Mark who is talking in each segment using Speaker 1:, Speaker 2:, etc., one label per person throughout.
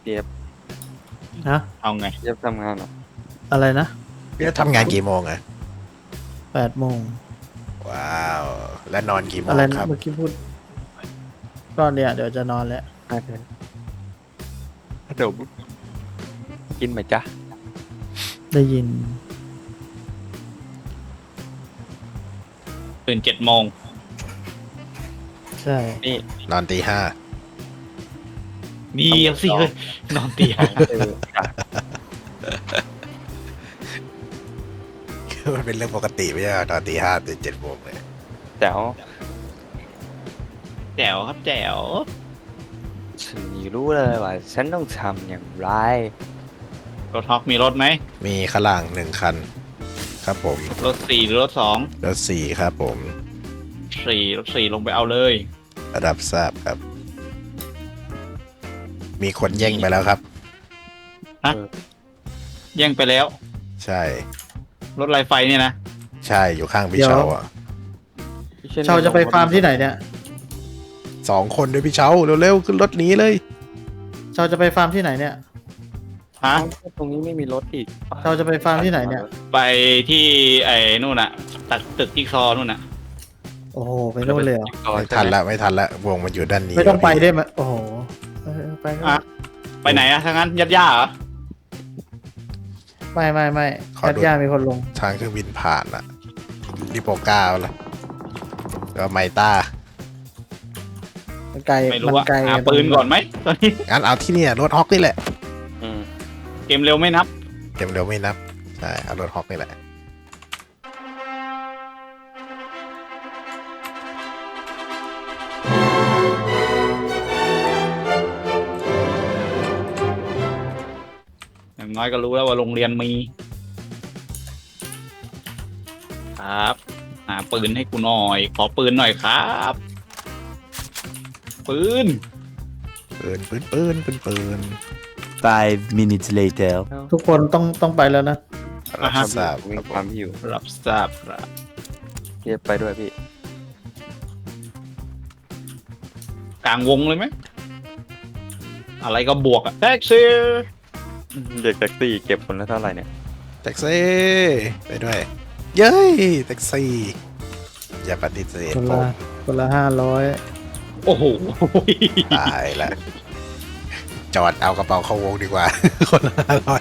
Speaker 1: เจี๊ยบ
Speaker 2: ฮะ
Speaker 3: เอาไง
Speaker 1: เจี๊ยบทำงานเหรอ
Speaker 2: อะไรนะ
Speaker 4: พี่ทำงานกี่โมงอะ
Speaker 2: 8 โมง
Speaker 4: ว้าว และนอนกี่โม
Speaker 2: อะไร
Speaker 4: ง
Speaker 2: นะครับ เมื่อกี้พูดก็เนี่ยเดี๋ยวจะนอนแล้ว
Speaker 1: น่าจะเดี๋ยวกินไหมจ๊ะ
Speaker 2: ได้ยิน
Speaker 3: ตื่น7 โมง
Speaker 2: ใช่
Speaker 1: นี่
Speaker 4: นอนตีห้า
Speaker 3: นี่เอาสิเฮ้ยนอนตีห้า
Speaker 1: จ้ะ
Speaker 4: มันเป็นเรื่องปกติไม่ใช่เหรอนอนตีห้าตื่น7 โมงเลย
Speaker 1: แจ๋ว
Speaker 3: แจ๋วครับแจ๋ว
Speaker 1: ฉันรู้เลยว่าฉันต้องทำอย่างไร
Speaker 3: รถฮอกมีรถไหม
Speaker 4: มีข้างล่าง1 คัน ครับผม
Speaker 3: รถ4หรือรถ
Speaker 4: รถ4ครับผม
Speaker 3: 2รถ4ลงไปเอาเลย
Speaker 4: รับทราบครับ มีคนแย่งไปแล้วครับ
Speaker 3: แย่งไปแล้ว
Speaker 4: ใช่
Speaker 3: รถไฟไฟเนี่ยนะ
Speaker 4: ใช่อยู่ข้างพี่เชาอ่ะ
Speaker 2: เชาจะไปฟาร์มที่ไหนเนี่ย
Speaker 4: 2 คนด้วยพี่เชาเร็วๆขึ้นรถหนีเลย
Speaker 2: เชาจะไปฟาร์มที่ไหนเนี่ย
Speaker 3: ฮะ
Speaker 1: ตรงนี้ไม่มีรถอีก
Speaker 2: เราจะไปฟาร์มที่ไหนเนี่ย
Speaker 3: ไปที่ไอ้นู่นน่ะตัดตึกจิ๊กซอว์นู่นน่ะ
Speaker 2: โอ้โหไปโน่นเลยเหรอ
Speaker 4: ไม่ทันละไม่ทันละวงมันอยู่ด้านนี้
Speaker 2: ไม่ต้องไป
Speaker 4: พี่
Speaker 2: ได้ไหมโอ้โหไปก็
Speaker 3: อ่ะ ไปไหนอะถ้างั้นยัดย่าเหรอ
Speaker 2: ไม่ญาติญาติมีคนลง
Speaker 4: ทางเครื่องบินผ่านอ่ะริโปก้าละก็ไมต้า
Speaker 2: มันไกล
Speaker 3: ไม่รู้
Speaker 2: มัน
Speaker 3: ว่า
Speaker 2: ไกล
Speaker 3: หาปืนก่อนไหมตอนนี้
Speaker 4: งั้นเอาที่เนี่ยรถฮอกนี่แหละ
Speaker 1: อืม
Speaker 3: เกมเร็วไม่นับ
Speaker 4: เต็มเร็วไม่นับ ใช่เอารถฮอกนี่แหละ
Speaker 3: อย่างน้อยก็รู้แล้วว่าโรงเรียนมี ครับ หาปืนให้กูหน่อย ขอปืนหน่อยครับ ปืน
Speaker 4: ปืน
Speaker 5: 5 minutes later.
Speaker 2: ทุกคนต้องไปแล้วนะ
Speaker 4: รับทราบ
Speaker 1: มี
Speaker 4: ครับ
Speaker 1: ค
Speaker 4: ผ
Speaker 1: วาม
Speaker 4: ม
Speaker 1: หิว
Speaker 3: รับทราบครับ
Speaker 1: เจี๊ยบไปด้วยพี่
Speaker 3: กลางวงเลยไหม อะไรก็บวกอะแท็กซี่
Speaker 1: เด็กแท็กซี่เก็บคนละเท่าไหร่เนี่ย
Speaker 4: แท็กซี่ไปด้วย เย้ยแท็กซี่อย่าปฏิเสธ
Speaker 2: คน
Speaker 4: ผ
Speaker 2: ละ
Speaker 4: ม
Speaker 2: คนละ
Speaker 3: โอ้โห
Speaker 4: ตายละจอดเอากระเป๋าเข้าวงดีกว่า คนละ500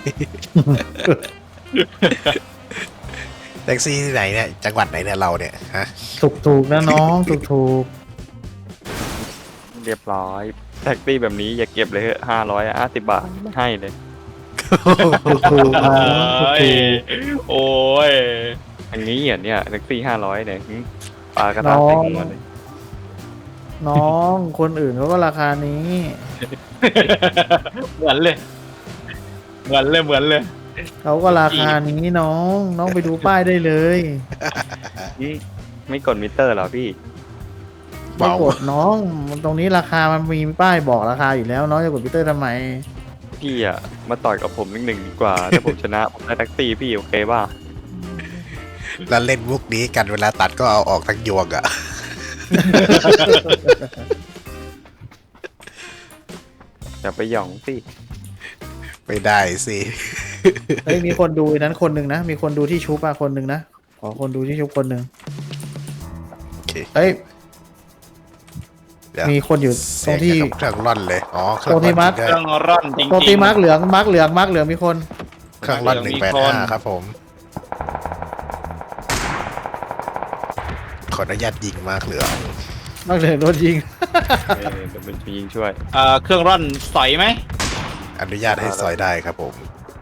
Speaker 4: แท็กซี่ที่ไหนเนี่ยจังหวัดไหนเนี่ยเราเนี่ยฮะ
Speaker 2: 500ถูกนะน้องถูก
Speaker 1: เรียบร้อยแท็กซี่แบบนี้อย่าเก็บเลย550 บาทไม่ให้เลย
Speaker 2: ถูกนะ
Speaker 3: โอ้ย โอ้ย
Speaker 1: อันนี้เหรอเนี่ยแท็กซี่500เนี่ยปลากระทะใส่หัวเลย
Speaker 2: น้องคนอื่นเขาก็ราคานี้
Speaker 3: เหมือนเลย เหมือนเลย
Speaker 2: เขาก็ราคานี้น้องไปดูป้ายได้เลย
Speaker 1: ไม่กดมิเตอร์เหรอพี่
Speaker 2: ไม่กดน้องตรงนี้ราคามันมีป้ายบอกราคาอยู่แล้วน้องจะกดพิเตอร์ทำไม
Speaker 1: พี่อ่ะมาต่อยกับผมหนึ่งดีกว่า ถ้าผมชนะผมได้แท็กซี่พี่โอเคป่ะ
Speaker 4: แล้วเล่นมุกนี้กันเวลาตัดก็เอาออกทั้งยวงอะ
Speaker 1: อย่าไปหย่องสิ
Speaker 4: ไม่ได้สิ
Speaker 2: เฮ้ยมีคนดูอันนั้นคนหนึ่งนะมีคนดูที่ชุบอะคนหนึ่งนะขอคนดูที่ชุบคนหนึ่ง
Speaker 4: โอเค
Speaker 2: เฮ้ย
Speaker 4: เดี๋ยว
Speaker 2: มีคนอยู่ตรงที่
Speaker 4: เสียกับเครื่องร่อนเลยอ๋อเครื่อง
Speaker 2: ตรงที่
Speaker 4: ร่อน
Speaker 2: มัด
Speaker 4: จริง
Speaker 3: เค
Speaker 4: ด้วย
Speaker 3: รื่องร่อนจริงๆ
Speaker 2: ตรงที่มาร์กเหลืองมีคน
Speaker 4: เครื่องร่อน
Speaker 3: มีคน
Speaker 4: 185ครับผม ขออนุญาตยิงมาร์กเหลือง
Speaker 2: มาร์กเหลืองโดนยิง
Speaker 1: เดี๋ยวเป็นยิงช่วย
Speaker 3: เครื่องร่อนสอยไหม
Speaker 4: อนุญาตให้ซอยได้ครับผม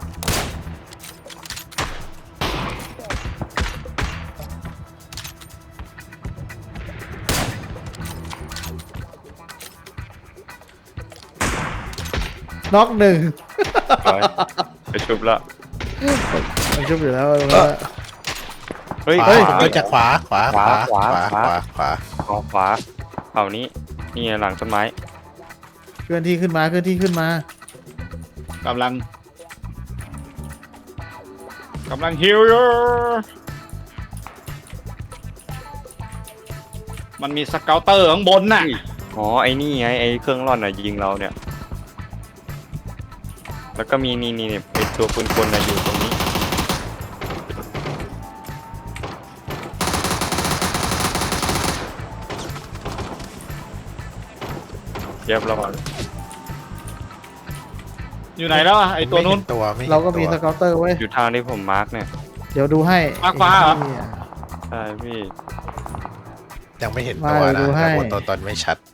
Speaker 2: น็อกหนึ่ง
Speaker 1: ไปชุบละ
Speaker 2: มันชุบอยู่แล้ว
Speaker 1: เฮ้ย
Speaker 4: ขวา
Speaker 2: เฮ้ย
Speaker 4: เฮ้ยจากขวาขวา
Speaker 1: ขวา
Speaker 4: ขวา
Speaker 1: ขวาเอานี้นี่หลังต้นไม้
Speaker 2: เคลื่อนที่ขึ้นมาก
Speaker 3: ำลังฮิวอยู่มันมีสเกลเตอร์ข้างบนน่ะ
Speaker 1: อ๋อไอ้นี่ไงไอ้เครื่องร่อนอ่ะยิงเราเนี่ยแล้วก็มีนี่เป็นตัวปืนกลนะอยู่ตรงนี้เรียบร้อย
Speaker 3: อยู่ไหนแล้วอะไอตัวนู้น
Speaker 4: ม่เห็ตัวไม่ห็น
Speaker 2: เราก็มีส
Speaker 4: ตัว
Speaker 2: เกาเตอร์ไว้ย
Speaker 1: อยู่ทางที่ผมมาร์กเนี่ย
Speaker 2: เดี๋ยวดูให้
Speaker 3: มาร์คฟ้าเหรอ
Speaker 1: ใช่พี่
Speaker 4: ยังไม่เห็นตัว
Speaker 2: ไม่
Speaker 4: นะ
Speaker 2: ดูให้
Speaker 4: แต่ตัวตนไม่ชัด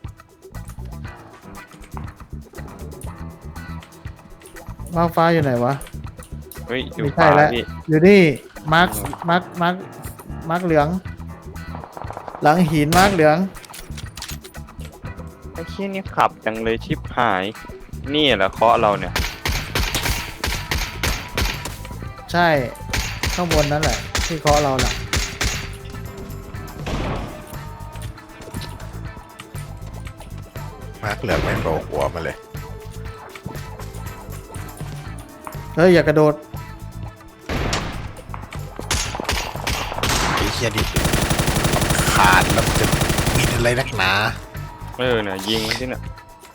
Speaker 2: มาฟ้าอยู่ไหนวะ
Speaker 1: เฮ้ยอยู่
Speaker 2: ไม่
Speaker 1: ข
Speaker 2: ใช่
Speaker 1: วา
Speaker 2: แล้ว
Speaker 1: พี่
Speaker 2: อยู่นี่มาร์คเหลือง หลังหินมาร์คเหลือง
Speaker 1: ไอ้เชี่ยนี่ขับจังเลยชิบหาย นี่แหละเคาะเราเนี่ย
Speaker 2: ใช่ข้างบนนั่นแหละ ที่เคาะเราแหละ
Speaker 4: มาร์คเหลืองไม่โผล่หัวมาเลย
Speaker 2: เฮ้ยอย่ากระโดด
Speaker 4: ไอ้เหี้ยดิขาดแล้วมันจะบินอะไรนักหนา
Speaker 1: เนี่ยยิงมันที่เนี่ย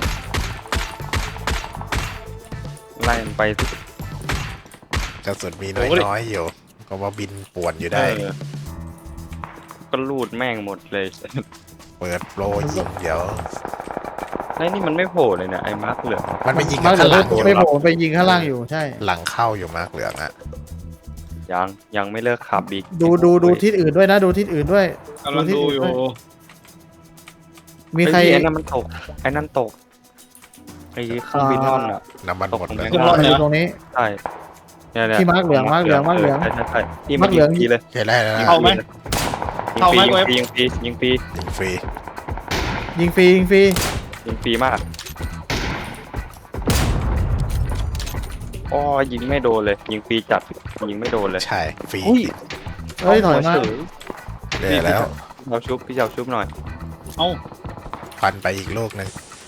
Speaker 1: ไล่มันไปสิ
Speaker 4: กระสุนมีน้อยๆอยู่ ก็ว่าบินป่วนอยู่ได้
Speaker 1: ก็ลูดแม่งหมดเลย
Speaker 4: เปิดโปรยิงเดี๋ยว
Speaker 1: ไอ้นี่มันไม่โผล่เลยเนี่ยไอ้มาร์กเหลือง
Speaker 4: มันไปยิง
Speaker 2: มา
Speaker 4: กั
Speaker 2: ร์
Speaker 4: น
Speaker 2: คเหลื
Speaker 4: ข้าง
Speaker 2: อง
Speaker 4: หลังอยู่
Speaker 2: ไม่โผล่ไปยิงข้างล่างอยู่ใช่
Speaker 4: หลังเข้าอยู่มาร์คเหลืองอะ
Speaker 1: ยังไม่เลิกขับอีก
Speaker 2: ดูทิศอื่นด้วยนะ ดูทิศอื่นด้วย
Speaker 3: กำลังดูอยู่
Speaker 2: มีใคร
Speaker 1: ไอ้นั่นมันตกไอ้นั่นตกไอ้เครื่องบินนอนอ่ะ
Speaker 4: น้ำมันหมดแล้ว
Speaker 3: ขึ้นรถ
Speaker 2: อยู่ตรงนี้
Speaker 1: ใช่เนี่ย
Speaker 2: ที่มาร์คเหลืองมาร์คเหลืองมาร์คเหลือง
Speaker 1: ใช่ที่
Speaker 2: มาร์คเหลือง
Speaker 1: ยิงฟรีเลย
Speaker 4: เห็นได้แล้วนะ
Speaker 3: เข้าไหม เข้าไหม
Speaker 1: ยิงฟรียิงฟรี
Speaker 4: ยิงฟรี
Speaker 2: ยิงฟรียิงฟรี
Speaker 1: ยิงฟรีมากอ๋อยิงไม่โดนเลย ยิงฟรีจัดยิงไม่โดนเลย
Speaker 4: ใช่ฟรี
Speaker 1: อุ้ย
Speaker 2: เฮ้ยถอยมา
Speaker 4: ได้แล้ว
Speaker 1: เราชุบพี่เจ้าชุบหน่อย
Speaker 3: เอ้า
Speaker 4: ฟันไปอีกลูกหนึ่ง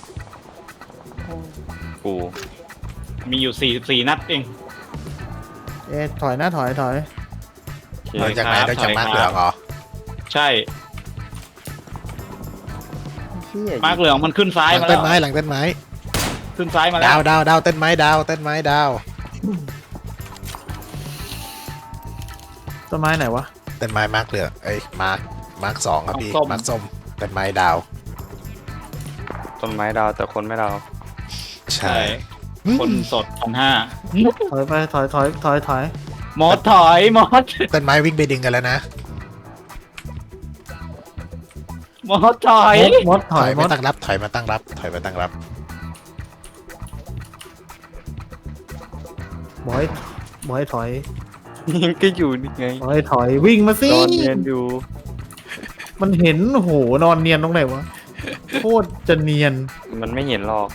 Speaker 1: กู
Speaker 3: มีอยู่44 นัดเอง
Speaker 2: ถอยนะถอย
Speaker 1: โอเค
Speaker 4: เราจากไหนเราจากมาร์คเหลืองเหรอ
Speaker 3: ใช่
Speaker 1: เหี้ย
Speaker 3: มาร์คเหลืองมันขึ้นซ้าย
Speaker 4: หลัง
Speaker 3: มา
Speaker 4: ต้
Speaker 3: แล้
Speaker 4: น
Speaker 3: ว
Speaker 4: ไม้หลังต้นไม้
Speaker 3: ขึ้นซ้ายมาแล้
Speaker 4: ดาว
Speaker 3: ว
Speaker 4: ดาวต้นไม้ดาวต้นไม้ดาว
Speaker 2: ต้นไม้ไหนวะ
Speaker 4: ต้นไม้มาร์คเหลืองเอ้ยมาร์คสองครับพี่มาร์คส้มต้นไม้ดาว
Speaker 1: ต้นไม้ดาวแต่คนไม่ดาว
Speaker 4: ใช่
Speaker 3: ใช่ คนสด1,500
Speaker 2: ถอยไปถอย
Speaker 3: มอสถอยมอส
Speaker 4: ต้นไม้วิ่งไปดึงกันแล้วนะ
Speaker 3: มอสถอย
Speaker 2: มดถ
Speaker 4: ถ
Speaker 2: อ
Speaker 4: อย ย
Speaker 2: ม
Speaker 4: มา
Speaker 2: ด
Speaker 4: ตั้งรับถอยมาตั้งรับถอยมาตั้งรับ
Speaker 2: บอยถอย
Speaker 1: ยังก็อยู่นี่ไง
Speaker 2: ถอยวิ่งมาสิ
Speaker 1: นอนเรียนอยู่
Speaker 2: มันเห็นโอ้โหนอนเนียนตรงไหนวะโคตรจะเนียน
Speaker 1: มันไม่เห็นหรอก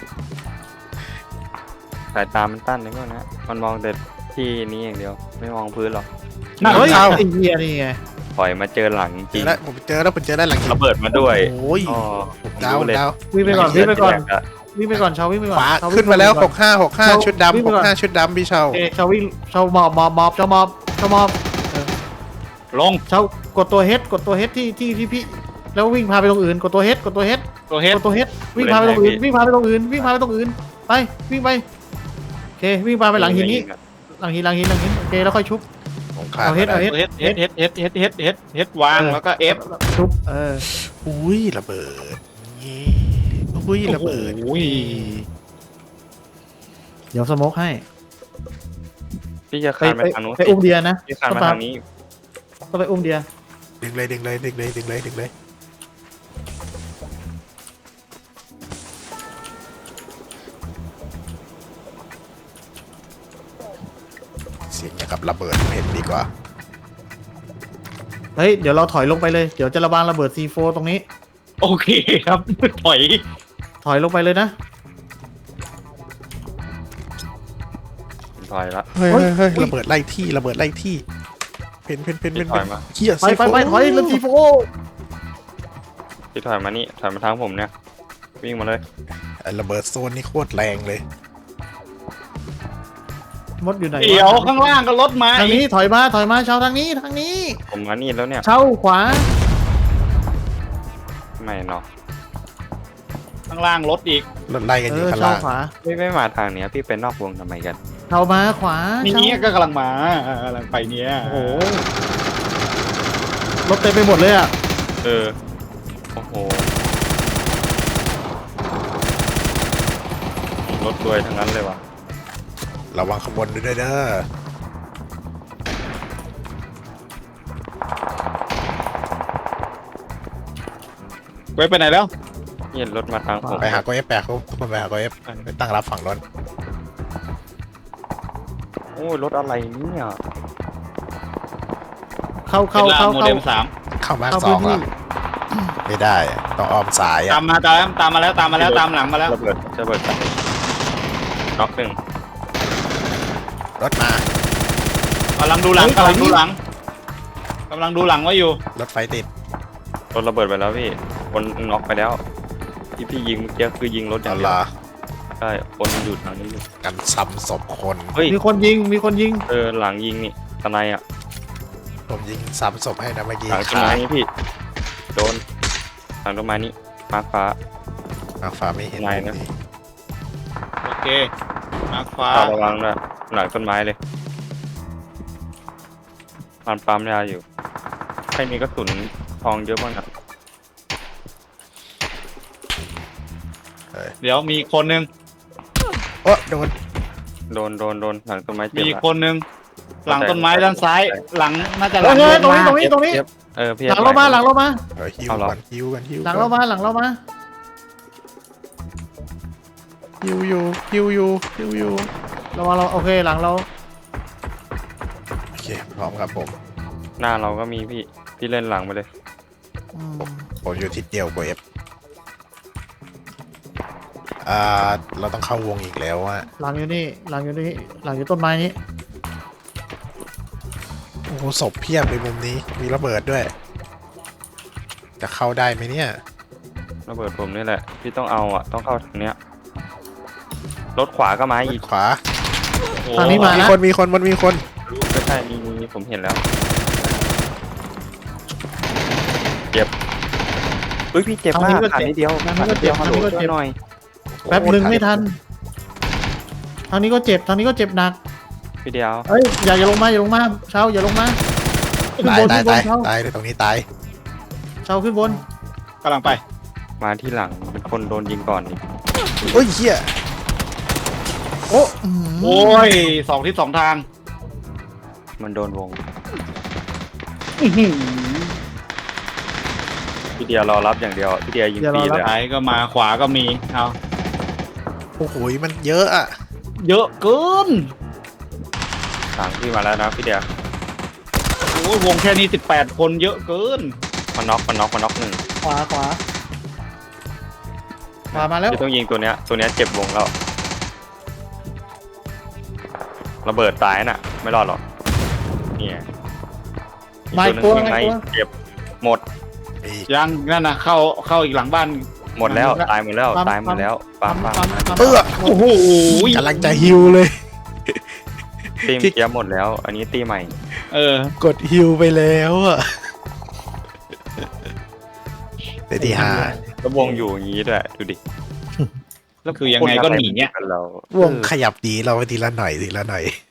Speaker 1: สายตามันตั้นนึกว่านะมันมองแต่ที่นี้อย่างเดียว ไม่มองพื้นหรอก
Speaker 2: เฮ้ยไอ้เหี้ยนี่ไง
Speaker 1: ปล่อยมาเจอหลังจ
Speaker 4: เจ
Speaker 1: ริ
Speaker 4: อง แล้วผมเจอแล้วหลัง
Speaker 1: ระเบิดมาด้วย
Speaker 4: โอ้ย
Speaker 1: อ๋อ
Speaker 4: ดาว
Speaker 1: รู้เลย
Speaker 4: ดาว
Speaker 2: วิ่งไปก่อน
Speaker 1: เหี้
Speaker 2: วิ่
Speaker 1: ย
Speaker 2: งไปก่อน
Speaker 1: แตกะ
Speaker 2: วิ่งไปก่อนชาววิ่งไปก่อน
Speaker 4: ฟ้า
Speaker 2: ชว
Speaker 4: ขึ้นมาแล้ว
Speaker 2: วิ่งไปก่อน
Speaker 4: 65ชุด
Speaker 2: วิ่งไปก่อน
Speaker 4: ดำ65ชุดดำพี่เชา
Speaker 2: เอชาววิ่งชาวมอบชาวมอบ
Speaker 3: ลง
Speaker 2: ชาวกดตัวเฮดที่พี่แล้ววิ่งพาไปตรงอื่นกดตัวเฮด
Speaker 3: ตัวเฮด
Speaker 2: วิ่งพาไปตรงอื่นวิ่งพาไปตรงอื่นไปวิ่งไปโอเควิ่งพาไปหลังหินนี้หลังหินโอเคแล้วค่อยชุบ
Speaker 4: ผมขาด
Speaker 2: เอาเฮ็ด
Speaker 4: มา
Speaker 2: เอา
Speaker 4: แล้ว
Speaker 3: เฮดวางแล้วก็ F
Speaker 2: ชุบ
Speaker 4: อุ้ยระเบิดนี่อุ้ยระเบิด
Speaker 3: โอ้ย
Speaker 2: เดี๋ยวสโมกให้
Speaker 1: พี่จะคานไปทางนู้น
Speaker 2: ไปอุ้มเดียนะ
Speaker 1: พี่คานมาทางนี้
Speaker 2: ก็ไปอุ้มเดีย
Speaker 4: ดึงเลยเสียงอย่างกับระเบิดเห็นดีกว่า
Speaker 2: เฮ้ยเดี๋ยวเราถอยลงไปเลยเดี๋ยวจะระบางระเบิด C4 ตรงนี้
Speaker 3: โอเคครับ ถอย
Speaker 2: ถอยลงไปเลยนะ
Speaker 1: ถอยละ
Speaker 4: เฮ้ย
Speaker 2: เฮ้ย
Speaker 4: ระเบิดไล่ที่เป็น
Speaker 1: พี่ถอยมา
Speaker 4: เหี้ย
Speaker 2: ไปถอยเลย C4
Speaker 1: พี่ถอยมานี่ถอยมาทางผมเนี่ยวิ่งมาเลย
Speaker 4: ระเบิดโซนนี่โคตรแรงเลย
Speaker 2: มดอยู่ไหน
Speaker 3: เดี๋ยวข้างล่างก็รถมา
Speaker 2: ทางนี้ถอยมาชาวทางนี้
Speaker 1: ผมมานี่แล้วเนี่ย
Speaker 2: ชาวขวา
Speaker 1: ไม่เนาะ
Speaker 3: ข้างล่างรถอีก
Speaker 4: รถไล่กันอยู่ข้าง
Speaker 2: เช่า
Speaker 4: ล่าง
Speaker 2: ขวา
Speaker 1: ไม่มาทางเนี้ยพี่เป็นนอกวงทำไมกัน
Speaker 2: เช่ามาขวา
Speaker 3: นี่
Speaker 2: เช่า
Speaker 3: ก็กำลังมากำลังไปเนี่ย
Speaker 2: โอ้โหรถเต็มไปหมดเลยอ่ะ
Speaker 1: เออโอ้โหรถรวยทั้งนั้นเลยว่ะ
Speaker 4: ระวังขบวนด้วยเด้อ
Speaker 3: ไว้ไปไหนแล้ว
Speaker 1: เนี่ยรถมาทางผม
Speaker 4: ไปหาโกเอฟแปะเขาคนไปหาโกเอฟไปตั้งรับฝั่งรถ
Speaker 1: โอ้ยรถอะไรเนี่ย
Speaker 2: เข้า
Speaker 3: เป็
Speaker 2: เข้าน
Speaker 3: ลา
Speaker 2: เข้า
Speaker 3: โม
Speaker 2: เข้า
Speaker 3: เดล3
Speaker 4: เข้ามาร์ค
Speaker 2: เข้า
Speaker 4: สอง
Speaker 2: พื้น
Speaker 4: อ่ะ
Speaker 2: ที่
Speaker 4: ไม่ได้อะต้องอ้อมสาย
Speaker 3: ตา
Speaker 4: อ่ะ
Speaker 3: มมาตามมาแล้วตามมาแล้วตามหลังมาแล้ว
Speaker 1: ระเบิดกันน็อกหนึ่ง
Speaker 4: รถมาก
Speaker 3: ำลังดูหลังกำลังดูหลังกำลังดูหลังไว้อยู่
Speaker 4: รถไฟติด
Speaker 1: รถระเบิดไปแล้วพี่คนน็อกไปแล้วที่พี่ยิงเมื่อกี้คือยิงรถอย่า
Speaker 4: เอา
Speaker 1: งเดียว
Speaker 4: ล่ะ
Speaker 1: ใช่คนอยู่ทางนี้อยู่
Speaker 4: กันซ้ำศพคน
Speaker 1: เฮ้ย
Speaker 2: มีคนยิงมีคนยิง
Speaker 1: หลังยิงนี่ตะไนอ่ะ
Speaker 4: ผมยิงซ้ำศพให้นะเมื่อกี้
Speaker 1: หลังต้น
Speaker 4: ขา
Speaker 1: ไม้นี่พี่โดนหลังต้นไม้นี่มาฟ้า
Speaker 4: มาฟ้าไม่เห็น
Speaker 1: ไหนนะ
Speaker 3: โอเคมาร์คฟ้า
Speaker 1: ระวังนะหลังต้นไม้เลยปั๊มยาอยู่ใครมีกระสุนทองเยอะบ้างครับ
Speaker 3: เดี๋ยวมีคนหนึ่ง
Speaker 4: โอ้โดน
Speaker 1: โดนหลังต้นไม้เจ็บ
Speaker 3: มี
Speaker 1: ละ
Speaker 3: คนหนึ่งหลังต้นไม้ด้านซ้าย หลังน่าจะห
Speaker 2: เฮ้
Speaker 3: ลั
Speaker 2: ย
Speaker 3: ง
Speaker 2: เฮ้ยตรงนี้
Speaker 3: เย
Speaker 2: ตรงนี้ตรงนี้
Speaker 1: เจ็บพี่
Speaker 2: หลังเรามาหลังเรามา
Speaker 4: ฮิว
Speaker 1: เอาเหรอ
Speaker 4: กันฮิวกันฮิว
Speaker 2: หลังเรามาหลังเรามา
Speaker 4: ฮิวอยู่ฮิวอยู่ฮิวอยู่
Speaker 2: เรามาเราโอเคหลังเรา
Speaker 4: โอเคพร้อมครับผม
Speaker 1: หน้าเราก็มีพี่เล่นหลังไปเลย
Speaker 2: อืม
Speaker 4: ผมอยู่ทิศเดียวโกเอฟเราต้องเข้าวงอีกแล้วอะ
Speaker 2: หลังอยู่นี่หลังอยู่นี่หลังอยู่ต้นไม้นี้
Speaker 4: โอ้โหศพเพียบเลยมุมนี้มีระเบิดด้วย จะเข้าได้ไหมเนี่ย
Speaker 1: ระเบิดผมนี่แหละพี่ต้องเอาอ่ะต้องเข้าทางเนี้ยรถขวาก็มาอีก
Speaker 4: ขวา
Speaker 3: โอ้
Speaker 2: ทางนี้มา
Speaker 4: มี
Speaker 2: นะ
Speaker 4: คนมีคนมันมีคน
Speaker 1: ไม่ใช่มีผมเห็นแล้วเจ็บเฮ้ยพี่เจ็บมากขาดนิดเดียวขาดนิดเดียวฮัลโหลช่วยหน่อย
Speaker 2: แป๊บหนึ่งไม่ทันทางนี้ก็เจ็บทางนี้ก็เจ็บหนัก
Speaker 1: พี่เดียว
Speaker 2: เอ้ยอย่าลงมาอย่าลงมาเช้าอย่าลงมาขึ้น
Speaker 4: ตาย
Speaker 2: บน
Speaker 4: ตาย
Speaker 2: ขึ้นบ
Speaker 4: ตาน ย
Speaker 2: เช้า
Speaker 4: ตายเลยตรงนี้ตาย
Speaker 2: เช้าขึ้นบน
Speaker 3: กำลังไป
Speaker 1: มาที่หลังเป็นคนโดนยิงก่อนอีก
Speaker 4: โอ้ยเหี้ย
Speaker 2: โอ้
Speaker 3: โอ้ยสองทิศสองทาง
Speaker 1: มันโดนวง
Speaker 3: อื้อหือ
Speaker 1: พี่เดียวรอรับอย่างเดียวพี่เดียวยิงฟรีเลย
Speaker 3: ซ้ายก็มาขวาก็มีเอา
Speaker 4: โอ้โหมันเยอะอะ
Speaker 3: เยอะเกิน
Speaker 1: หลังพี่มาแล้วนะพี่เดียว
Speaker 3: โอ้ยวงแค่นี้18 คนเยอะเกิน
Speaker 1: มันน็อกหนึ่ง
Speaker 2: ขวามาแล้ว
Speaker 1: พี่ต้องยิงตัวเนี้ยเจ็บวงแล้วระเบิดตายน่ะ ไม่รอดหรอกเนี่ย
Speaker 2: มาอีก
Speaker 1: ห
Speaker 2: ตัว
Speaker 1: นึ่งยิง
Speaker 2: มา
Speaker 1: ให้
Speaker 2: อีกตัว
Speaker 1: เจ็บหมด
Speaker 4: อีก
Speaker 3: ยังนั่นนะเข้าอีกหลังบ้าน
Speaker 1: หมดแล้วตายหมดแล้วตายหมดแล้วปั๊ม
Speaker 4: เออ
Speaker 3: โอ้โห
Speaker 4: กำลังจะฮิวเลย
Speaker 1: ตีมเกียร์หมดแล้ว อันนี้ตีใหม่
Speaker 3: เออก
Speaker 4: ดฮิวไปแล้วอะได้ที่ห้า
Speaker 1: แล้ววงอยู่อย่างนี้ด้วยดูดิ
Speaker 3: แล้วคือยังไงก็หนีเนี่ย
Speaker 1: คนอะไรกันเรา
Speaker 4: วงขยับดีเราไปทีละหน่อยทีละหน่อย